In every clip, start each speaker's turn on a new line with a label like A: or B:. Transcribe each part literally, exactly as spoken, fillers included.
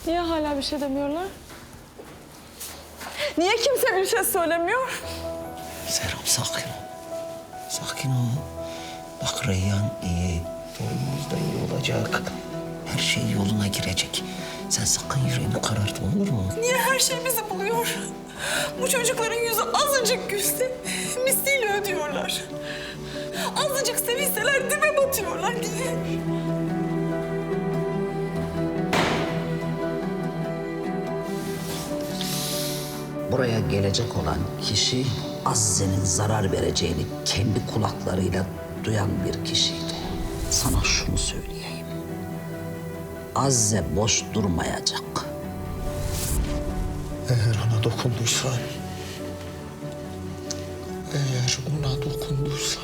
A: Niye hala bir şey demiyorlar? Niye kimse bir şey söylemiyor?
B: Serap sakin ol. Sakin ol. Bak Reyhan iyi. Oğlumuz da iyi olacak. Her şey yoluna girecek. Sen sakın yüreğini karartma, olur mu?
A: Niye her şey bizi buluyor? Bu çocukların yüzü azıcık gülse misliyle ödüyorlar. Azıcık sevinseler dibe batıyorlar diye.
B: Buraya gelecek olan kişi Azize'nin zarar vereceğini kendi kulaklarıyla duyan bir kişiydi. Sana şunu söyleyeyim. Azize boş durmayacak.
C: Eğer ona dokunduysan, eğer ona dokunduysan,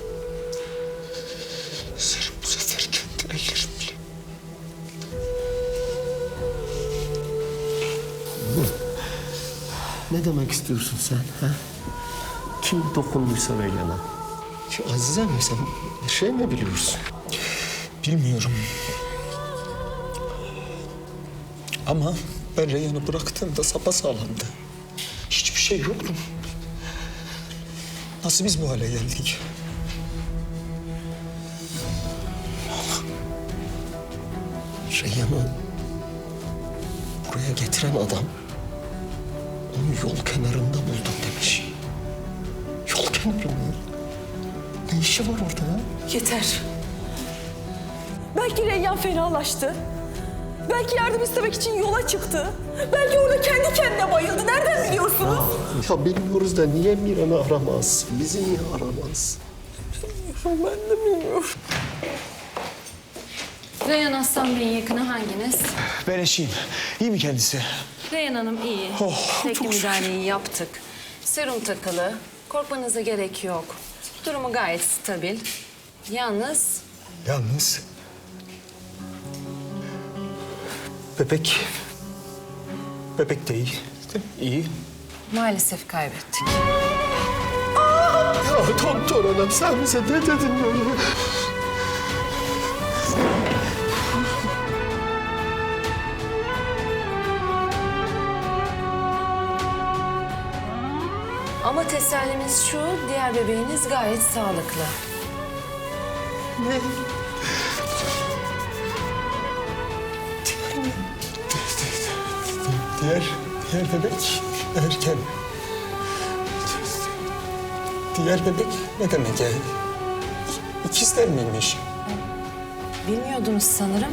C: sen bu sefer kendine gelin bile.
D: Ne demek istiyorsun sen? Ha? Kim dokunduysa Reyhan'a? Şu Azize mi, sen bir şey mi biliyorsun?
C: Bilmiyorum. Ama ben Reyhan'ı bıraktığımda sapasağlamdı. Hiçbir şey yoktu. Nasıl biz bu hale geldik?
D: Reyhan'ı buraya getiren adam onu yol kenarında buldum demiş. Yol kenarı mı? Ne işi var orada ya?
A: Yeter. Belki Reyyan fenalaştı. Belki yardım istemek için yola çıktı. Belki orada kendi kendine bayıldı. Nereden biliyorsunuz?
D: Ya bilmiyoruz da niye Miran'ı aramaz? Bizi niye aramaz?
A: Ben de bilmiyorum.
E: Reyhan Aslan Bey'in yakını hanginiz?
C: Ben eşiyim. İyi mi kendisi?
E: Reyhan Hanım iyi.
C: Oh,
E: Tekli
C: çok şükür.
E: müdahaleyi yaptık. Serum takılı. Korkmanıza gerek yok. Durumu gayet stabil. Yalnız
C: Yalnız... Bebek... Bebek de iyi. İyi.
E: maalesef kaybettik.
D: Ya doktor hanım sen bize ne dedin böyle?
E: Ama tesellimiz şu, diğer bebeğiniz gayet sağlıklı.
D: Ne?
C: Diğer, diğer bebek erken. Diğer bebek ne demek yani? İkizler miymiş?
E: Bilmiyordunuz sanırım.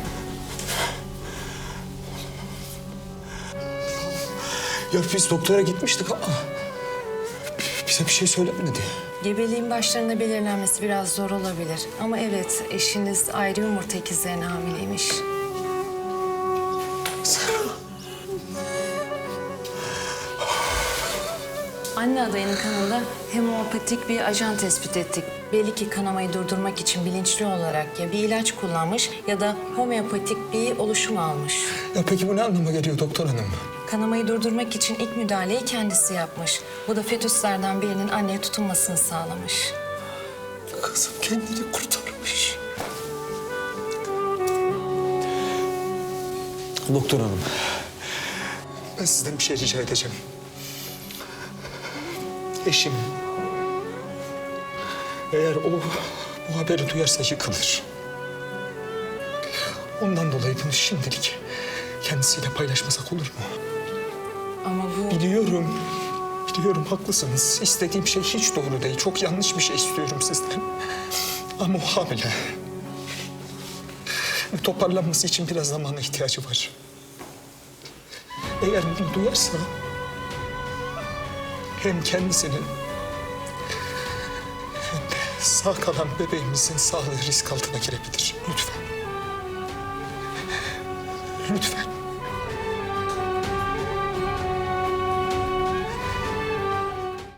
C: Ya biz doktora gitmiştik ama bize bir şey söylemedi.
E: Gebeliğin başlarında belirlenmesi biraz zor olabilir. Ama evet, eşiniz ayrı yumurta ikizlerine hamileymiş. Anne adayının kanında hemopatik bir ajan tespit ettik. Belli ki kanamayı durdurmak için bilinçli olarak ya bir ilaç kullanmış ya da homeopatik bir oluşum almış.
C: Ya peki bu ne anlama geliyor doktor hanım?
E: Kanamayı durdurmak için ilk müdahaleyi kendisi yapmış. Bu da fetüslerden birinin anneye tutunmasını sağlamış.
C: Kızım kendini kurtarmış. Doktor hanım, ben sizden bir şey rica edeceğim. Eşim, eğer o bu haberi duyarsa yıkılır. Ondan dolayı bunu şimdilik kendisiyle paylaşmasak olur mu?
E: Ama bu...
C: Biliyorum, biliyorum haklısınız. İstediğim şey hiç doğru değil. Çok yanlış bir şey istiyorum sizden. Ama o hamile. Toparlanması için biraz zamana ihtiyacı var. Eğer bunu duyarsa hem kendisinin hem de sağ kalan bebeğimizin sağlığı risk altına girebilir. Lütfen. Lütfen.